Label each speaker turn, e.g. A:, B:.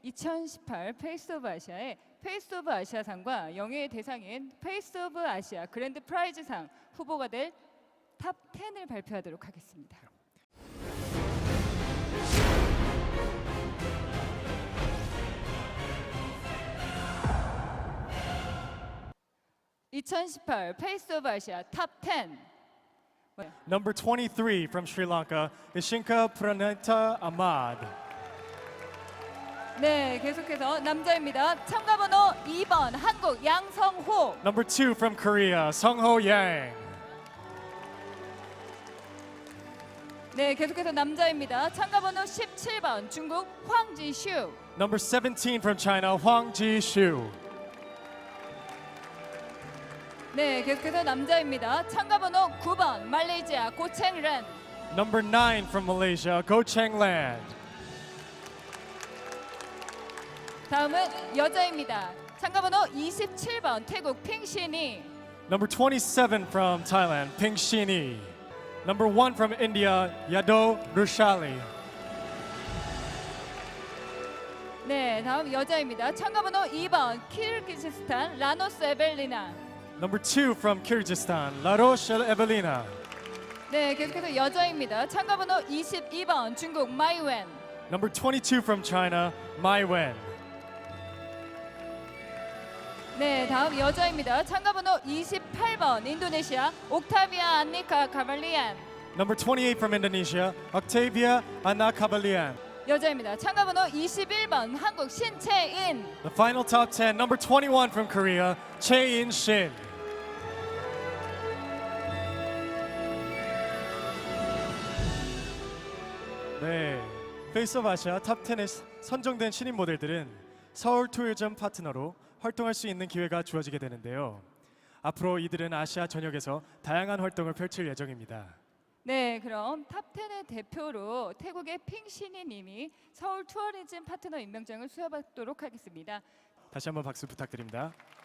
A: 2018 페이스 오브 아시아의 페이스 오브 아시아상과 영예의 대상인 페이스 오브 아시아 그랜드 프라이즈상 후보가 될 탑 10을 발표하도록 하겠습니다. (2018) 페이스 오브 아시아 탑 10.
B: Number 23 from Sri Lanka, Ishinka Pranita Ahmad.
A: 네, 계속해서 남자입니다. 참가번호 2번 한국 양성호.
B: Number 2 from Korea, Sungho Yang.
A: 네, 계속해서 남자입니다. 참가번호 17번 중국 황지슈.
B: Number 17 from China, Huang Jishu.
A: 네, 계속해서 남자입니다. 참가번호 9번 말레이시아 고챙ren.
B: Number 9 from Malaysia, Go Cheng Land.
A: 다음은 여자입니다. 참가번호 27번 태국 핑신이.
B: Number 27 from Thailand, Ping Shini. Number 1 from India, Yado Rushali.
A: 네, 다음 여자입니다. 참가번호 2번 키르기즈스탄 라노스 에벨리나.
B: Number 2 from Kyrgyzstan, Laroche Evelina.
A: 네, 계속해서 여자입니다. 참가번호 22번 중국 마이웬.
B: Number 22 from China, Mai Wen.
A: 네, 다음 여자입니다. 참가번호 28번 인도네시아 옥타비아 안니카 카발리안.
B: Number 28 from Indonesia, Octavia Anna Kabalian.
A: 여자입니다. 참가번호 21번 한국 신채인.
B: The final top 10, number 21 from Korea, Chae In Shin. 네, 페이스 오브 아시아 탑 10에 선정된 신인 모델들은 서울 투어점 파트너로 활동할 수 있는 기회가 주어지게 되는데요. 앞으로 이들은 아시아 전역에서 다양한 활동을 펼칠 예정입니다.
A: 네, 그럼 탑 10의 대표로 태국의 핑신이 님이 서울 투어리즘 파트너 임명장을 수여받도록 하겠습니다.
B: 다시 한번 박수 부탁드립니다.